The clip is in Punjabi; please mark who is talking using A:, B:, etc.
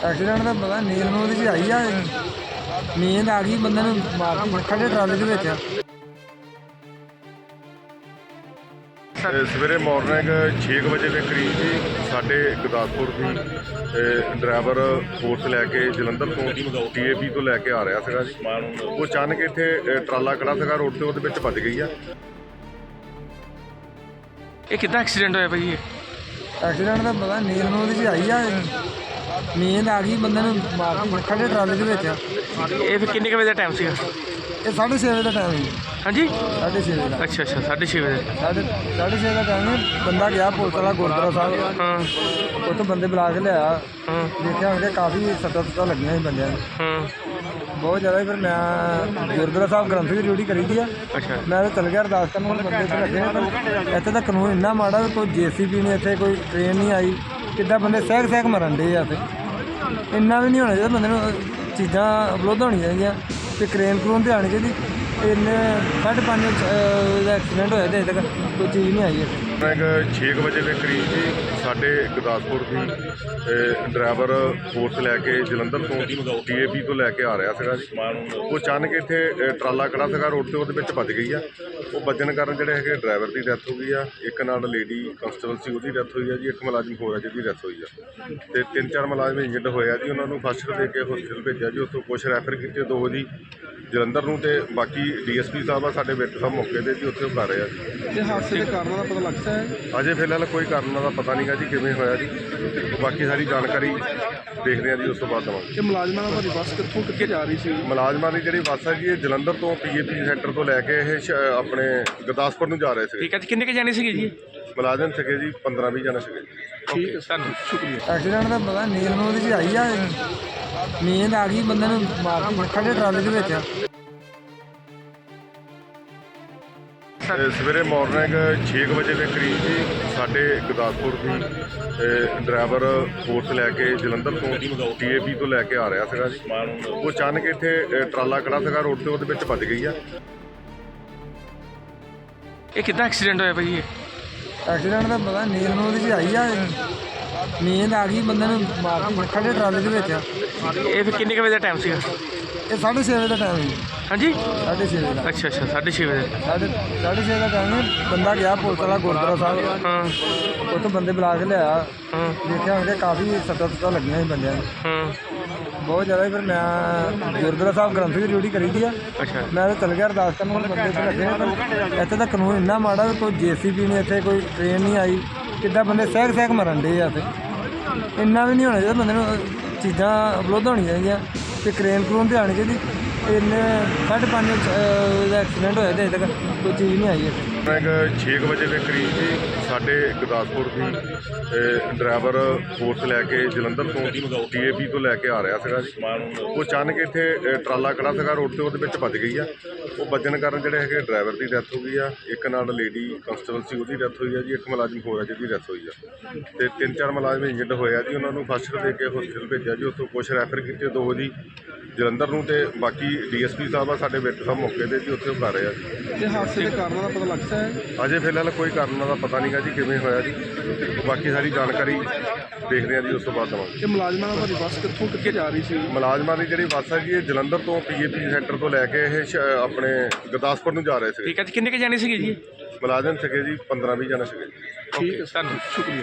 A: ਐਕਸੀਡੈਂਟ ਦਾ ਪਤਾ ਨੀਂਦ ਨੂੰ ਉਹਦੀ 'ਚ ਆਈ ਆ। ਨੀਂਦ ਆ ਗਈ ਬੰਦੇ ਨੂੰ ਮਾਰ ਕੇ ਖੜੇ ਟਰਾਲੇ ਦੇ ਵਿੱਚ।
B: ਸਵੇਰੇ ਮਾਰਨਿੰਗ 6 ਵਜੇ ਦੇ ਕਰੀਬ ਜੀ ਸਾਡੇ ਗੁਰਦਾਸਪੁਰ ਦੀ ਡਰਾਈਵਰ ਫੋਰਸ ਲੈ ਕੇ ਜਲੰਧਰ ਤੋਂ TAP ਤੋਂ ਲੈ ਕੇ ਆ ਰਿਹਾ ਸੀਗਾ ਜੀ। ਉਹ ਅਚਾਨਕ ਇੱਥੇ ਟਰਾਲਾ ਖੜਾ ਸੀਗਾ ਰੋਡ ਤੇ, ਉਹਦੇ ਵਿੱਚ ਵੱਜ ਗਈ ਆ।
C: ਇਹ ਕਿੱਦਾਂ ਐਕਸੀਡੈਂਟ ਹੋਇਆ ਭਾਈ?
A: ਐਕਸੀਡੈਂਟ ਦਾ ਪਤਾ ਨੀਂਦ ਨੂੰ ਉਹਦੀ 'ਚ ਆਈ ਆ। ਨੀਂਦ ਆ ਗਈ ਬੰਦੇ ਨੂੰ ਮਾਰ ਕੇ ਖੜੇ ਟਰਾਲੇ ਦੇ ਵਿੱਚ।
C: ਇਹ ਫਿਰ ਕਿੰਨੇ ਕੁ ਵਜੇ ਦਾ ਟਾਈਮ ਸੀਗਾ?
A: ਇਹ 6:30 ਵਜੇ ਦਾ ਟਾਈਮ ਸੀ।
C: ਹਾਂਜੀ
A: 6:30 ਵਜੇ ਦਾ।
C: ਅੱਛਾ 6:30 ਵਜੇ।
A: 6:30 ਦਾ ਟਾਈਮ ਸੀ। ਬੰਦਾ ਗਿਆ ਪੁਲਿਸ ਵਾਲਾ ਗੁਰਦੁਆਰਾ ਸਾਹਿਬ,
C: ਹਾਂ
A: ਉੱਥੋਂ ਬੰਦੇ ਬੁਲਾ ਕੇ ਲਿਆਇਆ।
C: ਹਾਂ
A: ਦੇਖਿਆ ਹੋਣਗੇ ਕਾਫੀ ਸੱਟਾਂ ਲੱਗੀਆਂ ਸੀ ਬੰਦਿਆਂ ਨੂੰ,
C: ਹਾਂ
A: ਬਹੁਤ ਜ਼ਿਆਦਾ। ਫਿਰ ਮੈਂ ਗੁਰਦੁਆਰਾ ਸਾਹਿਬ ਗ੍ਰੰਥ ਦੀ ਡਿਊਟੀ ਕਰੀ ਦੀ ਆ।
C: ਅੱਛਾ
A: ਮੈਂ ਤਾਂ ਚੱਲ ਗਿਆ ਅਰਦਾਸ ਕਰਨ, ਹੁਣ ਬੰਦੇ ਇੱਥੇ ਲੱਗੇ ਨੇ। ਪਰ ਇੱਥੇ ਤਾਂ ਕਾਨੂੰਨ ਇੰਨਾ ਮਾੜਾ ਵੀ ਕੋਈ JCB ਨਹੀਂ, ਇੱਥੇ ਕੋਈ ਟ੍ਰੇਨ ਨਹੀਂ ਆਈ। ਕਿੱਦਾਂ ਬੰਦੇ ਸਹਿਕ ਮਰਨ ਡੇ ਆ। ਇੱਥੇ ਇੰਨਾ ਵੀ ਨਹੀਂ ਹੋਣਾ ਚਾਹੀਦਾ ਬੰਦੇ ਨੂੰ, ਚੀਜ਼ਾਂ ਉਪਲਬਧ ਹੋਣੀਆਂ ਚਾਹੀਦੀਆਂ ਅਤੇ ਕਰੇਨ ਤੇ ਆਉਣੀ ਚਾਹੀਦੀ। ਇੰਨੇ 5:30 ਦਾ ਐਕਸੀਡੈਂਟ ਹੋਇਆ ਅਤੇ ਅਜੇ ਤੱਕ ਕੋਈ ਚੀਜ਼ ਨਹੀਂ ਆਈ ਇੱਥੇ।
B: 6 ਵਜੇ ਦੇ ਕਰੀਬ ਜੀ ਸਾਡੇ ਗੁਰਦਾਸਪੁਰ ਦੀ ਡਰਾਈਵਰ ਫੋਰਸ ਲੈ ਕੇ ਜਲੰਧਰ ਤੋਂ TAP ਤੋਂ ਲੈ ਕੇ ਆ ਰਿਹਾ ਸੀਗਾ ਜੀ। ਉਹ ਅਚਾਨਕ ਇੱਥੇ ਟਰਾਲਾ ਖੜਾ ਸੀਗਾ ਰੋਡ ਤੇ, ਉਹਦੇ ਵਿੱਚ ਵੱਜ ਗਈ ਆ। ਉਹ ਵੱਜਣ ਕਾਰਨ ਜਿਹੜੇ ਹੈਗੇ ਡਰਾਈਵਰ ਦੀ ਡੈਥ ਹੋ ਗਈ ਆ। ਇੱਕ ਨਾਲ ਲੇਡੀ ਕਨਸਟੇਬਲ ਸੀ, ਉਹਦੀ ਡੈਥ ਹੋਈ ਆ ਜੀ। ਇੱਕ ਮੁਲਾਜ਼ਮ ਹੋਰ ਆ ਜਿਹਦੀ ਡੈਥ ਹੋਈ ਆ, ਅਤੇ 3-4 ਮੁਲਾਜ਼ਮ ਇੰਜਰਡ ਹੋਏ ਆ ਜੀ। ਉਹਨਾਂ ਨੂੰ ਫਸਟ ਏਡ ਦੇ ਕੇ ਹਸਪੀਟਲ ਭੇਜਿਆ ਜੀ। ਉੱਥੋਂ ਕੁਛ ਰੈਫਰ ਕੀਤੇ, 2 ਜੀ ਜਲੰਧਰ ਨੂੰ, ਅਤੇ ਬਾਕੀ DSP ਸਾਹਿਬ ਆ ਸਾਡੇ ਵਿੱਚ ਸਾਹਿਬ ਮੌਕੇ 'ਤੇ ਜੀ, ਉੱਥੇ ਉਹ ਕਰ ਰਹੇ ਆ ਜੀ।
A: ਇਹ ਹਾਦਸੇ ਦੇ ਕਾਰਨਾਂ ਦਾ ਪਤਾ ਲੱਗਦਾ ਹੈ?
B: ਅਜੇ ਫਿਲਹਾਲ ਕੋਈ ਕਾਰਨ ਦਾ ਪਤਾ ਨਹੀਂ ਗਾ ਜੀ ਕਿਵੇਂ ਹੋਇਆ ਜੀ। ਬਾਕੀ ਸਾਰੀ ਜਾਣਕਾਰੀ ਦੇਖਦੇ ਹਾਂ ਜੀ, ਉਸ ਤੋਂ ਬਾਅਦ ਦੇਵਾਂਗੇ।
A: ਇਹ ਮੁਲਾਜ਼ਮਾਂ ਦੀ ਬੱਸ ਕਿੱਥੇ ਜਾ ਰਹੀ ਸੀ?
B: ਮੁਲਾਜ਼ਮਾਂ ਦੀ ਜਿਹੜੀ ਬੱਸ ਹੈ ਜੀ, ਇਹ ਜਲੰਧਰ ਤੋਂ TAP ਸੈਂਟਰ ਤੋਂ ਲੈ ਕੇ ਇਹ ਆਪਣੇ ਗੁਰਦਾਸਪੁਰ ਨੂੰ ਜਾ ਰਹੇ ਸੀਗੇ।
C: ਠੀਕ ਹੈ ਜੀ। ਕਿੰਨੇ ਕੁ ਜਾਣੇ ਸੀਗੇ ਜੀ?
B: ਮੁਲਾਜ਼ਮ ਸੀਗੇ ਜੀ 15-20 ਜਣੇ ਸੀਗੇ।
C: ਠੀਕ ਹੈ ਸਰ, ਸ਼ੁਕਰੀਆ।
A: ਐਕਸੀਡੈਂਟ ਦਾ ਪਤਾ ਨੀਂਦ ਨੂੰ ਉਹਦੀ 'ਚ ਆਈ ਆ। ਨੀਂਦ ਆ ਗਈ ਬੰਦੇ ਨੂੰ ਮਾਰ ਕੇ ਖੜੇ ਟਰਾਲੇ ਦੇ ਵਿੱਚ।
B: ਸਵੇਰੇ ਮਾਰਨਿੰਗ 6 ਵਜੇ ਦੇ ਕਰੀਬ ਜੀ ਸਾਡੇ ਗੁਰਦਾਸਪੁਰ ਦੀ ਡਰਾਈਵਰ ਫੋਰਸ ਲੈ ਕੇ ਜਲੰਧਰ ਤੋਂ TAP ਤੋਂ ਲੈ ਕੇ ਆ ਰਿਹਾ ਸੀਗਾ ਜੀ। ਉਹ ਅਚਾਨਕ ਇੱਥੇ ਟਰਾਲਾ ਖੜਾ ਸੀਗਾ ਰੋਡ ਤੇ, ਉਹਦੇ ਵਿੱਚ ਵੱਜ ਗਈ ਆ।
C: ਇਹ ਕਿੱਦਾਂ ਐਕਸੀਡੈਂਟ ਹੋਇਆ ਭਾਈ?
A: ਐਕਸੀਡੈਂਟ ਦਾ ਪਤਾ ਨੀਂਦ ਨੂੰ ਉਹਦੀ 'ਚ ਆਈ ਆ। ਨੀਂਦ ਆ ਗਈ ਬੰਦੇ ਨੂੰ ਮਾਰ ਕੇ ਖੜੇ ਟਰਾਲੇ ਦੇ ਵਿੱਚ।
C: ਇਹ ਫਿਰ ਕਿੰਨੇ ਕੁ ਵਜੇ ਦਾ ਟਾਈਮ ਸੀਗਾ?
A: ਇਹ 6:30 ਵਜੇ ਦਾ ਟਾਈਮ ਸੀ।
C: ਹਾਂਜੀ
A: 6:30 ਵਜੇ ਦਾ।
C: ਅੱਛਾ 6:30 ਵਜੇ।
A: 6:30 ਦਾ ਟਾਈਮ ਸੀ। ਬੰਦਾ ਗਿਆ ਪੁਲਿਸ ਵਾਲਾ ਗੁਰਦੁਆਰਾ ਸਾਹਿਬ,
C: ਹਾਂ
A: ਉੱਥੋਂ ਬੰਦੇ ਬੁਲਾ ਕੇ ਲਿਆਇਆ।
C: ਹਾਂ
A: ਦੇਖਿਆ ਹੋਣਗੇ ਕਾਫੀ ਸੱਟਾਂ ਲੱਗੀਆਂ ਸੀ ਬੰਦਿਆਂ ਨੂੰ,
C: ਹਾਂ
A: ਬਹੁਤ ਜ਼ਿਆਦਾ। ਫਿਰ ਮੈਂ ਗੁਰਦੁਆਰਾ ਸਾਹਿਬ ਗ੍ਰੰਥ ਦੀ ਡਿਊਟੀ ਕਰੀ ਦੀ ਆ।
C: ਅੱਛਾ
A: ਮੈਂ ਤਾਂ ਚੱਲ ਗਿਆ ਅਰਦਾਸ ਕਰਨ, ਹੁਣ ਬੰਦੇ ਇੱਥੇ ਲੱਗੇ ਨੇ। ਪਰ ਇੱਥੇ ਤਾਂ ਕਾਨੂੰਨ ਇੰਨਾ ਮਾੜਾ ਵੀ ਕੋਈ JCB ਨਹੀਂ, ਇੱਥੇ ਕੋਈ ਟ੍ਰੇਨ ਨਹੀਂ ਆਈ। ਕਿੱਦਾਂ ਬੰਦੇ ਸਹਿਕ ਮਰਨ ਡੇ ਆ। ਇੱਥੇ ਇੰਨਾ ਵੀ ਨਹੀਂ ਹੋਣਾ ਚਾਹੀਦਾ ਬੰਦੇ ਨੂੰ, ਚੀਜ਼ਾਂ ਉਪਲਬਧ ਹੋਣੀਆਂ ਚਾਹੀਦੀਆਂ ਅਤੇ ਕਰੇਨ ਤੇ ਆਉਣੀ ਚਾਹੀਦੀ। ਇੰਨੇ 5:30 ਦਾ ਐਕਸੀਡੈਂਟ ਹੋਇਆ ਅਤੇ ਅਜੇ ਤੱਕ ਕੋਈ ਚੀਜ਼ ਨਹੀਂ ਆਈ ਇੱਥੇ।
B: 6 ਵਜੇ ਦੇ ਕਰੀਬ ਜੀ ਸਾਡੇ ਗੁਰਦਾਸਪੁਰ ਦੀ ਡਰਾਈਵਰ ਫੋਰਸ ਲੈ ਕੇ ਜਲੰਧਰ ਤੋਂ TAP ਤੋਂ ਲੈ ਕੇ ਆ ਰਿਹਾ ਸੀਗਾ ਜੀ। ਉਹ ਅਚਾਨਕ ਇੱਥੇ ਟਰਾਲਾ ਖੜਾ ਸੀਗਾ ਰੋਡ ਤੇ, ਉਹਦੇ ਵਿੱਚ ਵੱਜ ਗਈ ਆ। ਉਹ ਵੱਜਣ ਕਾਰਨ ਜਿਹੜੇ ਹੈਗੇ ਡਰਾਈਵਰ ਦੀ ਡੈਥ ਹੋ ਗਈ ਆ। ਇੱਕ ਨਾਲ ਲੇਡੀ ਕਨਸਟੇਬਲ ਸੀ, ਉਹਦੀ ਡੈਥ ਹੋਈ ਆ ਜੀ। ਇੱਕ ਮੁਲਾਜ਼ਮ ਹੋਰ ਆ ਜਿਹਦੀ ਡੈਥ ਹੋਈ ਆ, ਅਤੇ 3-4 ਮੁਲਾਜ਼ਮ ਇੰਜਰਡ ਹੋਏ ਆ ਜੀ। ਉਹਨਾਂ ਨੂੰ ਫਸਟ ਏਡ ਦੇ ਕੇ ਹਸਪੀਟਲ ਭੇਜਿਆ ਜੀ। ਉੱਥੋਂ ਕੁਛ ਰੈਫਰ ਕੀਤੇ, 2 ਜੀ ਜਲੰਧਰ ਨੂੰ, ਅਤੇ ਬਾਕੀ DSP ਸਾਹਿਬ ਆ ਸਾਡੇ ਵਿੱਚ ਸਾਹਿਬ ਮੌਕੇ 'ਤੇ ਜੀ, ਉੱਥੇ ਉਹ ਕਰ ਰਹੇ ਆ ਜੀ।
A: ਇਹ ਹਾਦਸੇ ਦੇ ਕਾਰਨਾਂ ਦਾ ਪਤਾ ਲੱਗਦਾ ਹੈ?
B: ਅਜੇ ਫਿਲਹਾਲ ਕੋਈ ਕਾਰਨ ਦਾ ਪਤਾ ਨਹੀਂ ਗਾ ਜੀ ਕਿਵੇਂ ਹੋਇਆ ਜੀ। ਬਾਕੀ ਸਾਰੀ ਜਾਣਕਾਰੀ ਦੇਖਦੇ ਹਾਂ ਜੀ, ਉਸ ਤੋਂ ਬਾਅਦ ਦੇਵਾਂਗੇ।
A: ਇਹ ਮੁਲਾਜ਼ਮਾਂ ਦੀ ਬੱਸ ਕਿੱਥੇ ਜਾ ਰਹੀ ਸੀ?
B: ਮੁਲਾਜ਼ਮਾਂ ਦੀ ਜਿਹੜੀ ਬੱਸ ਹੈ ਜੀ, ਇਹ ਜਲੰਧਰ ਤੋਂ TAP ਸੈਂਟਰ ਤੋਂ ਲੈ ਕੇ ਇਹ ਆਪਣੇ ਗੁਰਦਾਸਪੁਰ ਨੂੰ ਜਾ ਰਹੇ ਸੀਗੇ।
C: ਠੀਕ ਹੈ ਜੀ। ਕਿੰਨੇ ਕੁ ਜਾਣੇ ਸੀਗੇ ਜੀ?
B: ਮੁਲਾਜ਼ਮ ਸੀਗੇ ਜੀ 15-20 ਜਣੇ ਸੀਗੇ।
C: ਠੀਕ ਹੈ ਸਰ, ਸ਼ੁਕਰੀਆ।